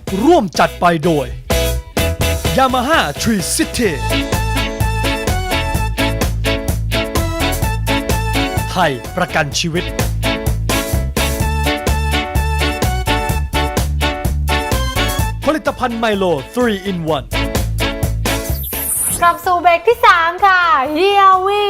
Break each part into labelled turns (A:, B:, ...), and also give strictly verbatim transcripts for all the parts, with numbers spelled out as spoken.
A: ร่วมจัดไปโดย Yamaha Tree City ไทยประกันชีวิตผลิตภัณฑ์ไมโล ทรี อิน วัน
B: กลับสู่เบรกที่สามค่ะเฮียวี่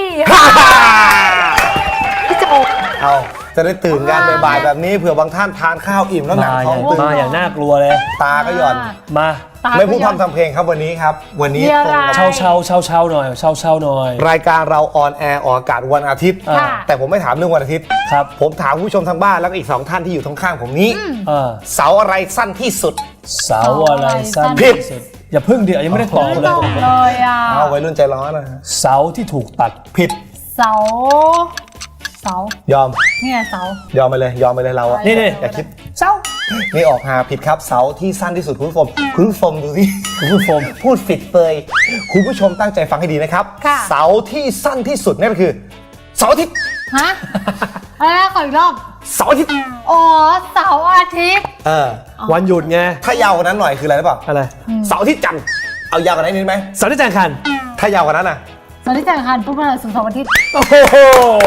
B: พี่โจ
C: เอาจะได้ตื่นกันบ่ายๆแบบนี้เผื่อบางท่านทานข้าวอิ่มแล้วหนัก
D: มาอ
C: ท้อย่าง
D: ง
C: ตึง
D: มาอย่างน่ากลัวเลย
C: ตาก็หย่อน
D: มา
C: ไม่พูดพร่ำทำเพลงครับวันนี้ครับ วันนี้ตรงกับ
D: เช่าเช่าเช่าเช่าหน่อยเช่าเช่าหน่อย
C: รายการเราออนแอร์ออกอากาศวันอาทิตย์
D: ค่ะ
C: แต่ผมไม่ถามเรื่องวันอาทิตย์
D: ครับ
C: ผมถามผู้ชมทางบ้านแล้วก็อีกสองท่านที่อยู่ข้างๆผมนี้
D: เออ
C: เสาอะไรสั้นที่สุด
D: เสาอะไรสั้น
C: ผิด
D: ที่สุดอย่าพึ่งเดี๋ยวยังไม่ได้ตอบ
B: ไม่
D: เลย
B: ตรงเลยอ่ะ
C: เอาไว้รุ่นใจร้อนนะ
D: เสาที่ถูกตัด
C: ผิด
B: เสาเสาย
C: อม
B: เนี่ยเสาย
C: อมไปเลยยอมไปเลยเราอะ
D: นี่นี่
C: อย่าคิด
B: เจ้า
C: นี่ออกหาผิดครับเสาที่สั้นที่สุดคุณผู้ชมคุณผู้ชมดูสิ
D: คุณผู้ชม
C: พูดผิดเปยคุณผู้ชมตั้งใจฟังให้ดีนะครับ เสาที่สั้นที่สุดนั่นก็คือเสาร์อาทิตย์
B: ฮะอะไรนะขออีกรอบ
C: เสาร์อาทิตย์
B: อ๋อเสาร์อาทิตย์
C: เออ
D: วันหยุดไง
C: ถ้ายาวกว่านั้นหน่อยคืออะไรหรือเปล่า
D: อะไร
C: เสาร์อาทิตย์จันทร์เอายาวกว่านั้นนิดไหม
D: เสาที่แจงคัน
C: ถ้ายาวกว่านั้นอ่ะ
B: เสาร์ที่จันทร์อังคารพุธพฤหัสศุกร์เสาร์อาทิตย์
D: โอ้โห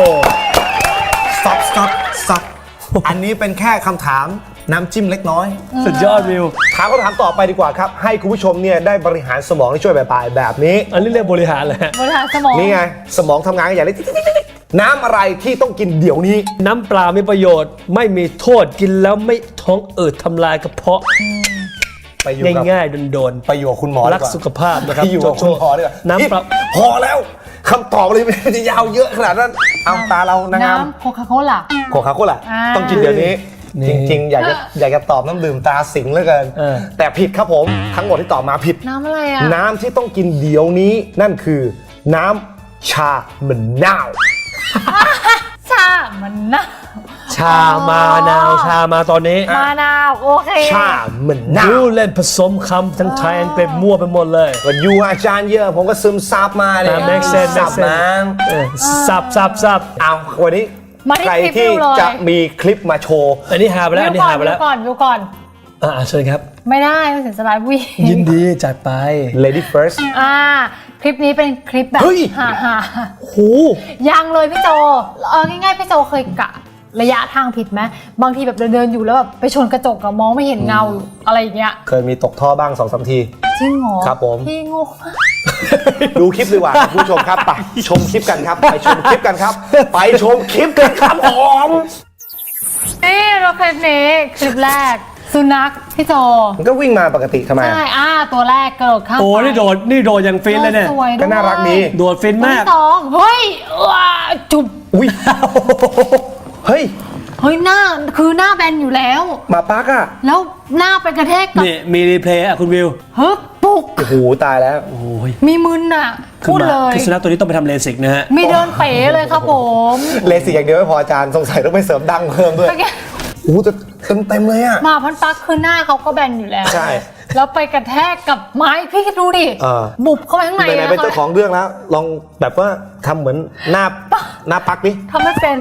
C: stop stop stop อันนี้เป็นแค่คำถามน้ำจิ้มเล็กน้อย
D: สุดยอดวิว
C: ถามคำถามต่อไปดีกว่าครับ ให้คุณผู้ชมเนี่ยได้บริหารสมองที่ช่วยบ่ายๆแบบนี้
D: อันนี้เรียกบริหารเลยฮะ
B: บริหารสมอง
C: นี่ไง สมองทำงานกันอย่างนี้น้ำอะไรที่ต้องกินเดี๋ยวนี้
D: น้ำเปล่ามีประโยชน์ ไม่มีโทษกินแล้วไม่ท้องอืดทำลายกระเพาะ
C: ไปอยู่กับ
D: ง่ายๆโดน
C: ไปอยู่กับคุณหมอ
D: ๆ
C: ดี
D: รัก
C: ว่า
D: สุขภาพนะครับ
C: ไปอยู่กับคุณหมอดีกว่า
D: น้ำเปล่า
C: พอแล้วคำตอบเลยมันจะยาวเยอะขนาดนั้นเอาตาเรานางงาม
B: น้ำโคคาโคล่า
C: โคคาโคล่ะ
B: อ่า
C: ต้องกินเดี๋ยวนี้
D: นี่
C: จริง ๆ อยากจะอยากจะตอบน้ำดื่มตาสิงเหลือเกิน
D: เออ
C: แต่ผิดครับผม ทั้งหมดที่ตอบมาผิด
B: น้ำอะไรอ่ะ
C: น้ำที่ต้องกินเดี๋ยวนี้นั่นคือ น้ำชามะนาว
B: ชามันนะ
D: ชามานาวชามาตอนนี้
B: มานาวโอเค
C: ชามะนา
D: ยู
C: ว
D: เล่นผสมคำทั้งไทยอังกฤษมั่วไปหมดเลย
C: ก็อยู่อาจารย์เยอะผมก็ซึมซับมาเนี่ย
D: อ่า make sense
C: ซับ
D: make sense
C: มา
D: เออสับสับสับ
C: เอาวันนี้
B: มาที่
C: ใคร
B: คลิป
C: ที่
B: วิวเลย
C: จะมีคลิปมาโชว์
D: อันนี้หาไปแล้วอันนี้หาไป
B: ดู
D: แล้ว
B: ก่อนดูก่อน
D: อ่าเชิญครับ
B: ไม่ได้ไม่เสียสลายวิ่ง
D: ยินดีจัดไป
C: Lady First
B: อ่า คลิปนี้เป็นคลิปแบบ
C: เฮ้ย
B: ฮ่าฮ่า
D: โห
B: ยังเลยพี่โจเออง่ายๆพี่โจเคยกะระยะทางผิดไหมบางทีแบบเดินๆอยู่แล้วแบบไปชนกระจกอะมองไม่เห็นเงาอะไรอย่างเงี้ย
C: เคยมีตกท่อบ้างสองสามที
B: จริงเหรอ
C: ครับผม
B: พี่โง่มาก
C: ดูคลิปดีกว่าคุณผู้ชมครับไปชมคลิปกันครับ ไปชมคลิปกันครับ ไปชมคลิปกันครับผม
B: นี่เราคลิปนี้คลิปแรกสุนัขพี่โจ
C: มันก็วิ่งมาปกติทำไม
B: ใช่อ่าตัวแรกกระโดดข้าม
D: โอ้นี่โดดนี่โดดอย่างฟินเลยเนี่ย
B: สวยด้วย
C: ก็น่ารักดี
D: โดดฟิน
B: ตัว
D: มาก
B: ที่สองเฮ้ยว้าจุบ
C: อุ้ยเฮ้ย
B: เฮ้ยหน้าคือหน้าแบนอยู่แล้ว
C: หมาปักอ่ะ
B: แล้วหน้าไปกระแทกกับ
D: นี่มีรีเพลย์อ่ะคุณวิว
B: เฮ้ยปุก
C: โอ้โหตายแล้ว
D: โอ้ย
B: มีมึนอ่ะ
D: คือ
B: พูด
D: มา
B: เลย
D: คือสุนัขตัวนี้ต้องไปทำเลสิกนะฮะ
B: มีเดินเป๋เลยครับผม
C: เลสิกอย่างเดียวไม่พออาจารย์สงสัยต้องไปเสริมดังเพิ่มด้วย
B: เมื่อกี้
C: โอ้โหแต่เต็มเต็มๆเลยอ่ะ
B: หมาพันปักคือหน้าเขาก็แบนอยู่แล้ว
C: ใช่
B: แล้วไปกระแทกกับไม้พี่คิดดูดิ
C: เออ
B: บุบเข้าไปข้างใน
C: ไหนๆ
B: นะ
C: เป็นเจ้าของเรื่องแล้ว ลองแบบว่าทำเหมือนหน้าหน้าปักดิ
B: ทำไม่เป็น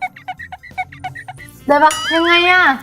B: ได้ปะยังไงอ่ะ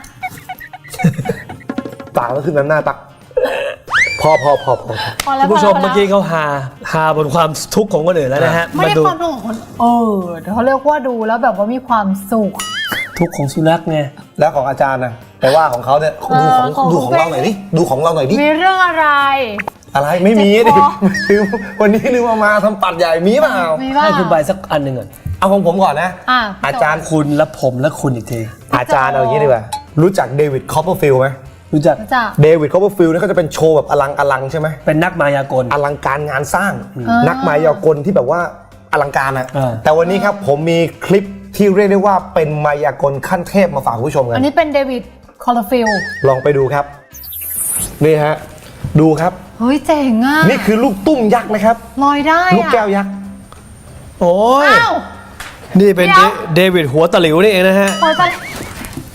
C: ปากก็ขึ้นน้ำหน้าปัก พอพอพอพอ
B: พอแล้ว
D: คุณผู้ชม
B: พแล้ว
D: เมื่อกี้เขาหาหาบนความทุกข์ของคนอื่นแล้วนะฮะ
B: ไม่
D: มา
B: ได้
D: ดู
B: ความทุกข์ของคนเออเขาเรียกว่าดูแล้วแบบว่ามีความสุข
D: ทุกข์ของสุนัขไง
C: แล้วของอาจารย์นะไปว่าของเขาเนี่ยดูของ
B: เออของ
C: ดูของเราหน่อยดิดูของเราหน่อยดิ
B: มีเรื่องอะไร
C: อะไรไม่มี
B: เจ็
C: ดิ
B: บคอ
C: ลืมวันนี้ลืมเอามาทำปัดใหญ่มีเปล่า
B: มีบ้าง
D: ให้คุณใบสักอันหนึ่งก่อน
C: เอาของผมก่อนนะ
B: อ่ะ
C: อาจารย์
D: คุณและผมและคุณอีกที
C: อาจารย์เอาอย่างนี้ดีกว่ารู้จักเดวิดคอปเปอร์ฟิลด์ไหม
D: รู้จัก
B: จ้ะ
C: เดวิดคอปเปอร์ฟิลด์เนี่ยเขาจะเป็นโชว์แบบอลังอลังใช่ไหม
D: เป็นนักมายากล
C: อลังการงานสร้าง
B: อ่านั
C: นักมายากลที่แบบว่าอลังการอะ
D: อ่า
C: แต่วันนี้ครับผมมีคลิปที่เรียกได้ว่าเป็นมายากลขั้นเทพมาฝากผู้ชมกั
B: อั
C: น
B: นนี้เป็นเดวิดคอร์ฟิล
C: ลองไปดูครับ นี่ฮะ ดูครับ
B: เฮ้ยเจ๋งอ่ะ
C: นี่คือลูกตุ้มยักษ์นะครับ
B: ลอยได้
C: ลูก
B: อ่ะ
C: แก้วยักษ์
D: โอ้ย
B: อ้าว
D: นี่เป็น
B: เดี๋ยว
D: เดวิดหัวตะหลิวนี่เองนะฮะ
B: โอ้ยไป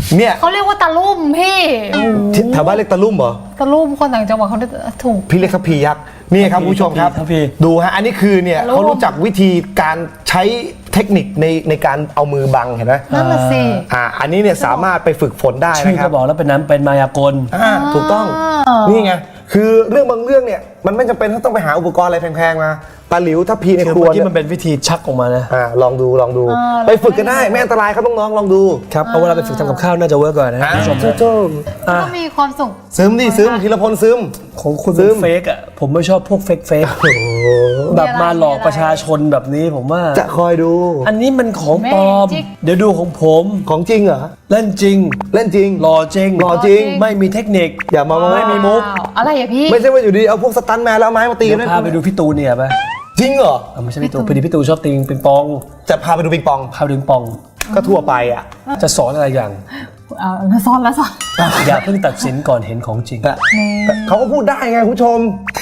C: เนี่ย
B: เขาเรียกว่าตะลุ่มพี่โอ้โห
C: ที่แถวบ้านเรียกตะลุ่มเหรอ
B: ตะลุ่มคนต่างจังหวัดเขาเรียกถูก
C: พี่เรียกทัพพียักษ์นี่ครับคุณผู้ชมครับ
D: ทัพพี
C: ดูฮะอันนี้คือเนี่ย
B: ตะลุ่ม
C: เขารู้จักวิธีการใช้เทคนิคในในการเอามือบังเห็นไหม
B: นั่นน่ะสิ
C: อ่าอันนี้เนี่ยสามารถไปฝึกฝนได้
D: ชื่อ
C: นะค
D: ก็
C: รับ
D: บอกแล้วเป็นน้ำเป็นมายากล
C: อ่าถูกต้อง
B: อ่านี่
C: นี่ไงคือเรื่องบางเรื่องเนี่ยมันไม่จำเป็นต้องไปหาอุปกรณ์อะไรแพงๆมาตาหลิวทัพพีใน
D: คือ
C: ครัว
D: เมื่อกี้
C: เนี่ย
D: มันเป็นวิธีชักออกมานะ
C: อ่าลองดูลองดู
B: เออ
C: ไปฝึกกันได้ไม่อันตรายครับน้องๆลองดู
D: ครับเอาเวลาไปฝึกทำกับข้าวน่าจะเวิร์กกว่านะ
C: อ่า
D: คุณผู้ชม
C: โจ้
D: อ่ะ
B: ก็มีความสุข
C: ซึมดิซึมธีรพลซึม
D: ของคุณ
C: ซึ
D: เป็น
C: ม
D: เฟกอ่ะผมไม่ชอบพวกเฟกเฟก
C: โอ้โห
D: แบบมาหลอกประชาชนแบบนี้ผมว่า
C: จะคอยดู
D: อันนี้มันของปลอม
B: Magic
D: เดี๋ยวดูของผม
C: ของจริงเหรอ
D: เล่นจริง
C: เล่นจริง
D: หล่อจริง
C: หล่อจริง
D: ไม่มีเทคนิค
C: อย่ามา
D: ไม่มีมุก
B: ว้าวอะไรอะพี่
C: ไม่ใช่ว่าอยู่ดีเอาพวกสตันแมนแล้วเอาไม้มาตี
D: เดี๋ยว
C: นะ
D: พาไปดูพี่ตูนเนี่ยไป
C: จริงเหรอ
D: อ่ะไม่ใช่พี่ตูนพอดีพี่ตูนชอบตีปิงปอง
C: จะพาไปดูปิงปอง
D: พาไปดูปิงปอง
C: ก็ทั่วไปอ่ะ
D: จะสอนอะไรอย่าง
B: เอาแล้วซ้อนแล้วซ้อน
D: อย่าเพิ่งตัดสินก่อนเห็นของจริง
C: เขาก็พูดได้ไงคุณผู้ชม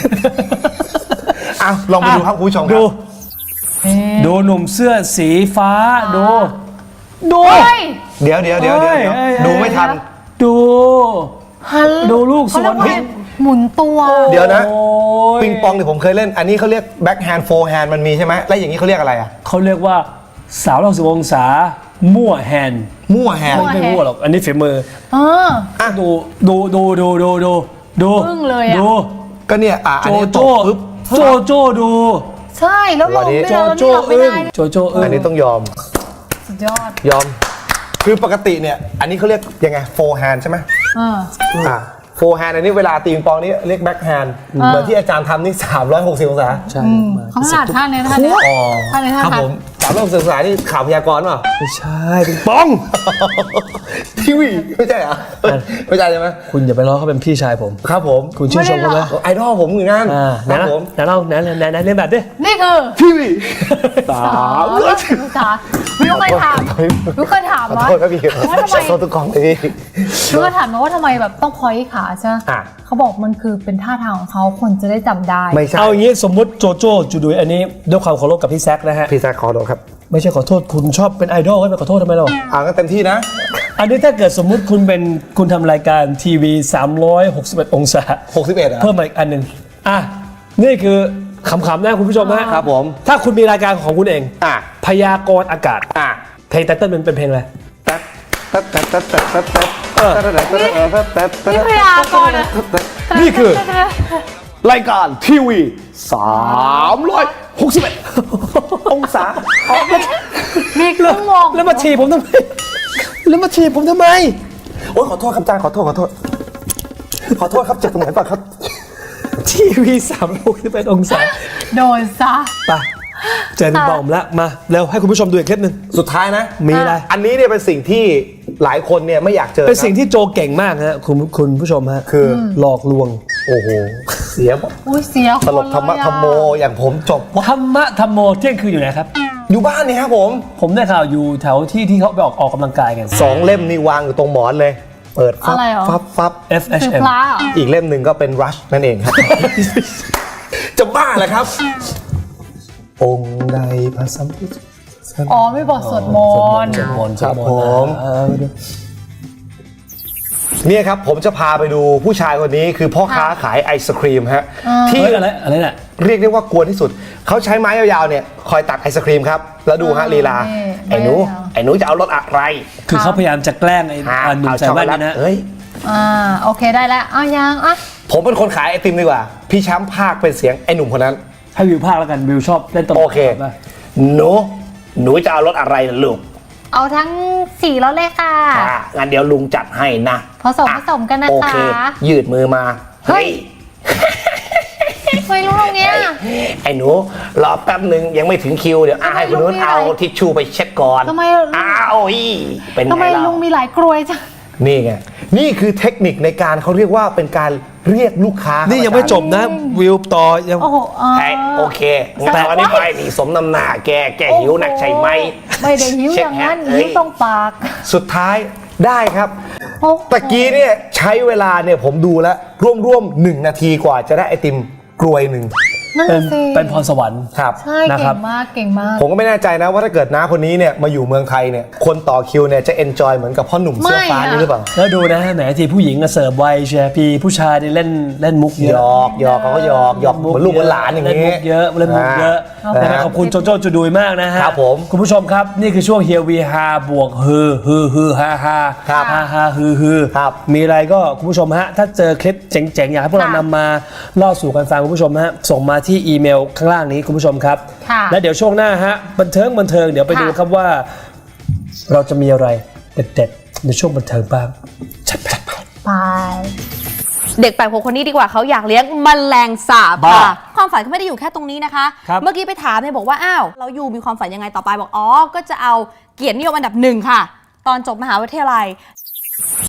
C: อ่ะลองไปดูครับคุณผู้ชมค
D: ดู
C: รับ
D: ดูหนุ่มเสื้อสีฟ้าดู ดู
B: เฮ้ย
C: เดี๋ยวเดี๋ยวเดี๋ยวเดี๋ยว
D: เอ้ยเอ้ย
C: ดูไม่ทัน
D: ดู
B: ฮัล
D: ดูลูก
B: เขาเรียก
D: สวน
B: ว่าหมุนตัว
C: เดี๋ยวนะ
D: โอ้ย
C: ปิงปองเนี่ยผมเคยเล่น อันนี้เขาเรียกแบ็คแฮนด์โฟร์แฮนด์มันมีใช่ไหมแล้วอย่างนี้เขาเรียกอะไรอ่ะ
D: เขาเรียกว่าสาวร้อยสิบองศามั่วแฮนด์
C: มั่วแฮนด์
D: ไม่มั่วหรอกอันนี้ฝีมือ
B: เออ
C: อ่ะ
D: ดูดูดูดูดูดูดู
B: อึ้งเลยอะ
D: ดู
C: ก็เนี่ยอ่ะอัน
D: โจ
C: นี้ต
D: โจ้
C: บปุ๊บ
D: โจโจ้ดู
B: ใช่แล้วลง
C: วันนี้
B: ไม่
D: โจ
B: ได้
D: โจ้
B: ไม่
D: อึ้
B: ได้
D: งโจโจ้อึ้ง
C: อันนี้ต้องยอม
B: สุดยอด
C: ยอม คือปกติเนี่ย อันนี้เขาเรียกยังไงโฟร์แฮนด์ใช่ไหม
B: เออ
C: อ่ะโฟร์แฮนด์อันนี้เวลาตีปิงปองนี่เรียกแบ็คแฮนด์เหมือนที่อาจารย์ทำนี่สามร้อยหกสิบองศา
D: ใช่
B: เขาถนัดท่าเนี้ยท่าเนี้ย
C: อ๋อ
B: ท่าเนี้ยท่า
C: ครับ
B: ทาง
C: ผมสามร้อยหกสิบองศานี่ข่าวพยากรณ์เปล่า
D: ไม่ใช่ปิงปอง
C: ทีวีไม่ใช่เหรอไม่ใช่ใช่ไหม
D: คุณอย่าไปล้อเขาเป็นพี่ชายผม
C: ครับผม
D: คุณชื่นชมเขาไหม
C: ไอดอลผมเหมือนกัน
D: อ่าไห
C: คน รับ
D: นะ
C: ผม
D: ไหนเราไหนไหนไหนเรียนแบบดิ
B: นี่คือ
C: ทีวี
D: สา
B: สาม มร้อยองศาวิวเคยถามวิวเคยถาม
C: ขอ
B: ว่า
C: โทษครับพี่
B: ว่าทำไม
C: ขอโทษทุกกองเลยพี่
B: วิวเคยถามมาว่าทำไมแบบต้องพอยขาใช่ไหม
C: อ่ะ
B: เขาบอกมันคือเป็นท่าทางของเขาคนจะได้จำได้
C: ไม่ใช่
D: เอาอย่างนี้สมมุติโจโจ้จูดุยอันนี้ด้วยความเคารพกับพี่แซคนะฮะ
C: พี่แซคขอโทษครับ
D: ไม่ใช่ขอโทษคุณชอบเป็นไอดอลก็ไปขอโทษทำไมหรอ
C: อ่าก็เต็มที่นะ
D: อันนี้ถ้าเกิดสมมุติคุณเป็นคุณทำรายการทีวีสามร้อยหกสิบเอ็ดองศา
C: หกสิบเอ็ดอ่ะ
D: เพิ่มมาอีกอันหนึ่งอ่ะนี่คือขำๆนะคุณผู้ชมนะครับ
C: ผม
D: ถ้าคุณมีรายการของคุณเอง
C: อ่ะ
D: พยากรณ์อากาศ
C: อ่ะ
D: เพลงไตเติ้ลมันเป็นเพลงอะไร
C: ตัดตัดตัดตัดตัดตัดตัด
D: เออ
C: ตัดตัดตัดตัดตัดตัด
B: นี่พยากรณ์อะ
C: นี่คือรายการทีวีสามร้อยหกสิบเอ็ดองศา
B: มีครึ่งวง
D: แล้วมาถีบผมทำไมแล้วมาถีบผมทำไม
C: โอ้ยขอโทษครับอาจารย์ขอโทษขอโทษขอโทษครับเจ็บตรงไหนป่ะครับ
D: ทีวีสามร้อยหกสิบเอ็ดองศา
B: โดนซะ
D: ไปเจอพี่บอมแล้วมาเร็วให้คุณผู้ชมดูอีกคลิปหนึ่ง
C: สุดท้ายนะ
D: มีอะไร
C: อันนี้เนี่ยเป็นสิ่งที่หลายคนเนี่ยไม่อยากเจอ
D: เป็นสิ่ง
C: ครับ
D: ที่โจเก่งมากฮะคุณคุณผู้ชมฮะ
C: คือ
D: หลอกลวง
C: โอ้โหเสีย
B: อุ้ยเสียคน
C: ตลกธรรมะ
B: เลยอะ
C: ธรรมโมอย่างผมจบว่า
D: ธรรมะธรรมโมเที่ยงคืนอยู่ไหนครับ
C: อยู่บ้านนี่ครับผม
D: ผมได้ข่าวอยู่แถวที่ที่เขาไปออกออกกำลังกายกัน
C: สองเล่มนี่วางอยู่ตรงหมอนเลย เปิดฟับ
B: อะไรเหรอ
C: ฟับฟับ
D: เอฟ เอช
B: คือ
D: เอ็ม
B: พระเหรอ
C: อีกเล่มหนึ่งก็เป็นรัชนั่นเองครับ จะบ้าเหรอครับ องค์ใดพระสัมพุทธ
B: อ๋อไม่บอกสวดมนต์
D: สวดมนต์ส
C: คว รั
D: ด
C: บ
D: มน
C: ผ
D: ต์
C: ม
D: เออดู
C: เนี่ยครับผมจะพาไปดูผู้ชายคนนี้คือพ่อค้าขายไอศครีมฮะที่
D: เฮ้ยอะไรอะไรน่ะ
C: เรียกได้ว่ากวนที่สุด เขาใช้ไม้ยาวๆเนี่ยคอยตักไอศครีมครับ แล้วดูฮะลีลา ไอ้หนู ไอ้หนูจะเอารสอะไร
D: คือเขาพยายามจะแกล้งไอ้
C: ฮะ
D: อ่าหนุ่ม
C: เอา
D: ใส่
C: ช็อกโก
D: แว่น
C: แล
D: นี่
C: ต
D: นะ
C: เอ้ย
B: อ่าโอเคได้แล้วอ้าวยังอ่ะ
C: ผมเป็นคนขายไอติมดีกว่า พี่แชมป์ภาคเป็นเสียงไอหนุ่มคนนั้น
D: ให้วิวภาคแล้วกันวิวชอบเล่นตลก
C: โอเค
D: ป่ะ
C: หนู หนูจะเอารสอะไรล่ะลูก
B: เอาทั้งสี่รสเลยค่ะ
C: อ่ะงั้นเดี๋ยวลุงจัดให้นะ
B: ผสมผสมกันนะ
C: โอ
B: คะ
C: เค ยืดมือมา
B: เฮ้ย ไม่รู้ตรงเนี้ย
C: ไอ้หนูรอแป๊บหนึ่งยังไม่ถึงคิวเดี๋ยวอาให้คนนู้น
B: ทำไมลุงมี
C: เอา
B: อะไร
C: ทิชชู่ไปเช็ดก่อน
B: ทำไม
C: อ้าวอีเป็น
B: ทำไม
C: ไงเล่า
B: ลุงมีหลายกรวยจัง
C: นี่ไงนี่คือเทคนิคในการเขาเรียกว่าเป็นการเรียกลูกค้า
D: นี่
C: นี่
D: ยังไม่จบนะวิวต่อยัง
B: โอ้โหอ่า
C: โอเคงั้นตอนนี้ไปนี่สมน้ำหน้าแกแกหิวหนักใช่ไหม
B: ไม่ได้หิวอย่างนั้น
C: เช็คแฮะ
B: หิวตรงปาก
C: สุดท้ายได้ครับ
B: โอ้โห
C: ตะกี้เนี่ยใช้เวลาเนี่ยผมดูแล้วร่วมๆหนึ่งนาทีกว่าจะได้ไอติมกรวยหนึ่ง
B: นั่น
D: เป็น
B: สิ
D: เป็นพรสวรรค์
C: ครับ
B: ใช่
D: นะค
B: เก่
D: รับ
B: งมากเก่งมาก
C: ผมก็ไม่แน่ใจนะว่าถ้าเกิดน้าคนนี้เนี่ยมาอยู่เมืองไทยเนี่ยคนต่อคิวเนี่ยจะเอนจอยเหมือนกับพ่อหนุ่มเสื้อฟ้า
B: ไม่อะ
C: นี่หรือเปล่า
D: แล้วดูนะแหมทีผู้หญิงก็เสิร์ฟไวเชียร์พี่ผู้ชายนี่เล่นเล่นมุกเย
C: หย
D: อะ
C: อกหยอกเขาก็หยอกหยอกเหมือนลูกเหมือนหลานอย่าง
D: เล่นมุ
C: นี้
D: กเยอะเล่นมุกเยอะ
C: อ่า
D: นะครับขอบคุณโจโจ้จูดุยมากนะฮะ
C: ครับผม
D: คุณผู้ชมครับนี่คือช่วงเฮียวีฮาบวกฮือฮือฮือฮาฮา
C: ครับ
D: ฮาฮาฮือฮือ
C: ครับ
D: มีอะไรก็คุณผู้ชมฮะถ้าเจอคลิปเจ๋งๆอยากให้พวกเรา
B: ค่ะ
D: นำมาเล่าสู่กันฟังคุณผู้ชมฮะส่งมาที่อีเมลข้างล่างนี้คุณผู้ชมครับ
B: ค่ะ
D: และเดี๋ยวช่วงหน้าฮะบันเทิงบันเทิงเดี๋ยวไป
B: ค่ะ
D: ดูครับว่า เราจะมีอะไรเด็ดๆในช่วงบันเทิงบ้างจัดไป
B: ไป
E: เด็กแปลกหัวคนนี้ดีกว่าเขาอยากเลี้ยงแมลงสาบ
D: บ้า
E: ค่ะความฝันเขาไม่ได้อยู่แค่ตรงนี้นะคะ
D: ครับ
E: เมื่อกี้ไปถามเนี่ยบอกว่าอ้าวเราอยู่มีความฝันยังไงต่อไปบอกอ๋อก็จะเอาเกียรตินิยมอันดับหนึ่งค่ะ ตอนจบมหาวิทยาลัย